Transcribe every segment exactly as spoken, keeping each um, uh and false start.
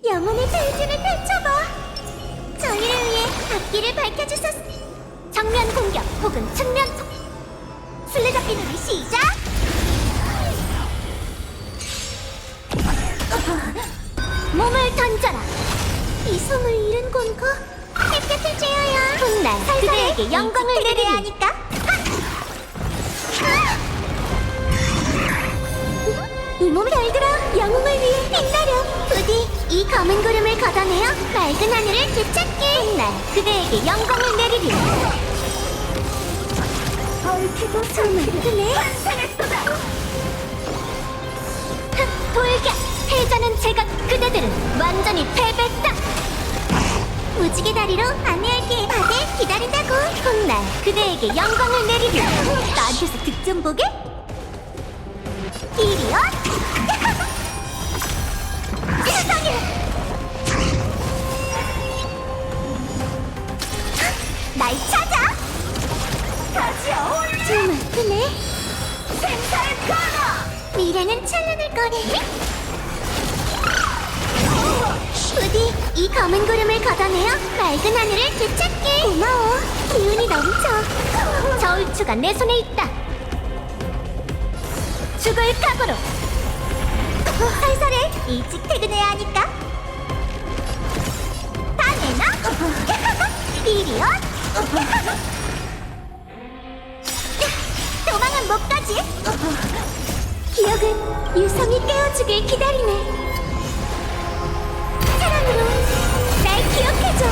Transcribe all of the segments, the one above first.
영혼의 대지를 펼쳐봐. 저희를 위해 앞길을 밝혀주소서. 정면 공격 혹은 측면 폭. 술래잡기 놀이 시작! 몸을 던져라. 이 손을 잃은 건가? 햇볕을 쬐어야 훗날 그대에게 영광을 내려야 하니까. 이 몸을 잘 들어. 영웅을 위해 빛나려. 부디 이 검은 구름을 걷어내어 맑은 하늘을 되찾게. 훗날 그대에게 영광을 내리리. 얽히고 정말 크네. 흑 돌격. 해자는 제가 그대들은 완전히 패배다. 무지개 다리로 안내할게. 다들 기다린다고. 훗날 그대에게 영광을 내리리. 나한테서 득점 보게? 이리온! 세상에! 날 찾아! 가지어! 정말 크네. 생사의 가라! 미래는 찬란할 거네. 부디 이 검은 구름을 걷어내어 맑은 하늘을 되찾게. 고마워. 기운이 넘쳐. 저울추가 내 손에 있다. 죽을 각오로. 살살해. 일찍 퇴근해야 하니까. 다 내놔. 이리온. 도망은 못 가지. 기억은 유성이 깨워주길 기다리네. 사랑으로 날 기억해줘.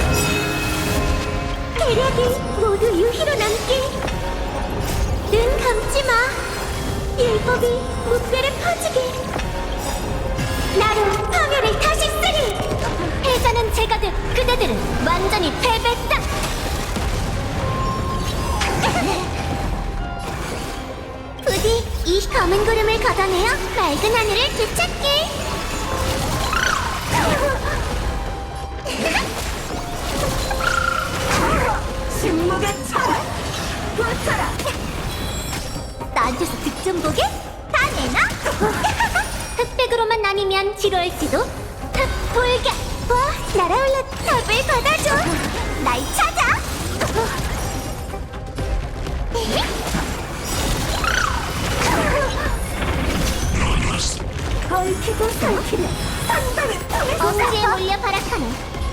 계략이 모두 유희로 남게. 눈 감지 마. 율법이 무뼈를 퍼지게. 나로 파멸을 다시 쓰리. 해자는 제가 돼. 그대들은 완전히 패배다. 부디 이 검은 구름을 걷어내어 맑은 하늘을 되찾게. 침묵의 차라 붙어라. 나한테서 득점 보게? 다 내놔. 흑백으로만 나뉘면 지루할지도. 흑 돌격. 와 날아올라. 답을 받아줘. 날 찾아. 얽히고 설키는 선방을 통해서 엄지에 몰려 발악하네.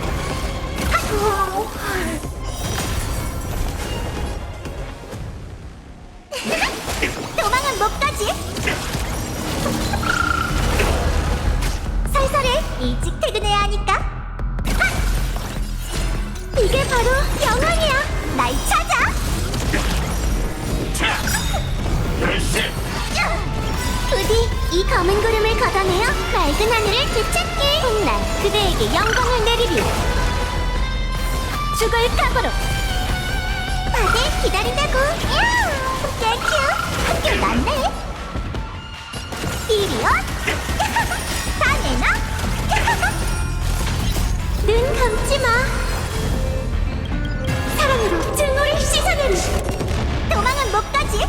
도망은 못 가지. 살살해. 일찍 퇴근해야 하니까. 이게 바로 영원이야. 날 찾아. 부디 이 검은 구름을 걷어내어 맑은 하늘을 되찾게. 훗날 그대에게 영광을 내리리. 죽을 각오로. 다들 기다린다고. 땡큐. 학교 났네. 이리온. 다 내놔. 눈 감지 마. 사랑으로 증오를 씻어내리. 도망은 못 가지.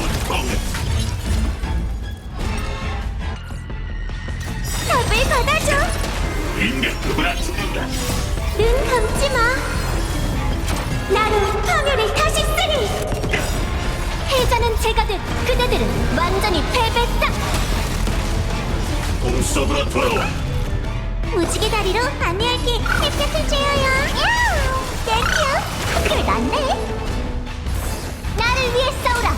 답을 받아줘. 인간 누구나 죽는다. 눈 감지 마. 나로 파멸을 다시 쓰리. 해자는 제가 돼. 그대들은 완전히 패배다. 공속으로 돌아와. 무지개 다리로 안내할게. 햇볕을 쬐어요. 땡큐. 학교를 났네. 나를 위해 싸우라.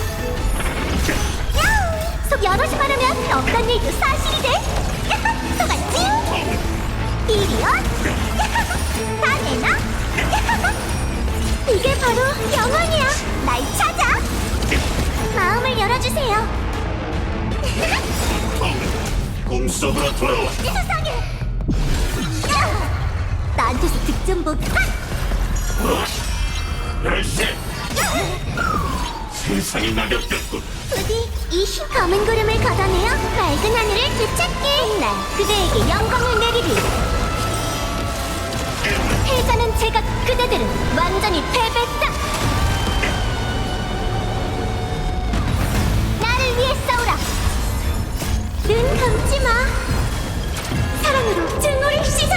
야우. 속 여럿이 말하면 없던 일도 사실이 돼. 속았지? 이리온. 다 내놔. 이게 바로 영원이야. 날 찾아. 마음을 열어주세요. 공속으로 돌아와. 세상에. 나한테서 득점 못. 열쇠. 세상이 낙엽됐군. 부디 이 흰 검은 구름을 걷어내어 맑은 하늘을 되찾게. 훗날 그대에게 영광을 내리리. 해자는 제가 그대들은 완전히 패배다. 나를 위해 싸우라. 눈 감지 마. 사랑으로 증오를 씻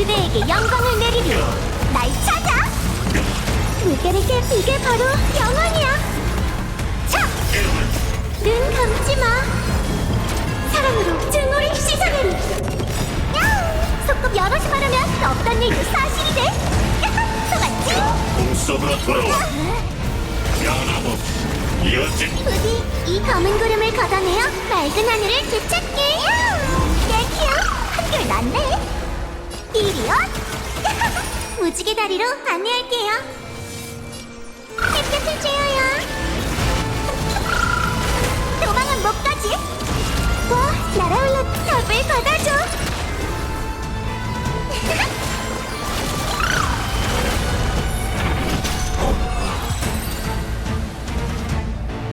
그대에게 영광을 내리리. 날 찾아. 물결에게 이게 바로 영원이야. 차! 눈 감지 마. 사랑으로 증오를 씻어내리. 야우! 소꿉 여럿이 말하면 없던 일도 사실이 돼. 야하! 속았지? 꿈속으로 돌아와. 변함없. 이어진 부디 이 검은 구름을 걷어내어 맑은 하늘을 되찾게. 얘기야, 한결 낫네. 이리온. 무지개 다리로 안내할게요. 햇볕을 쬐어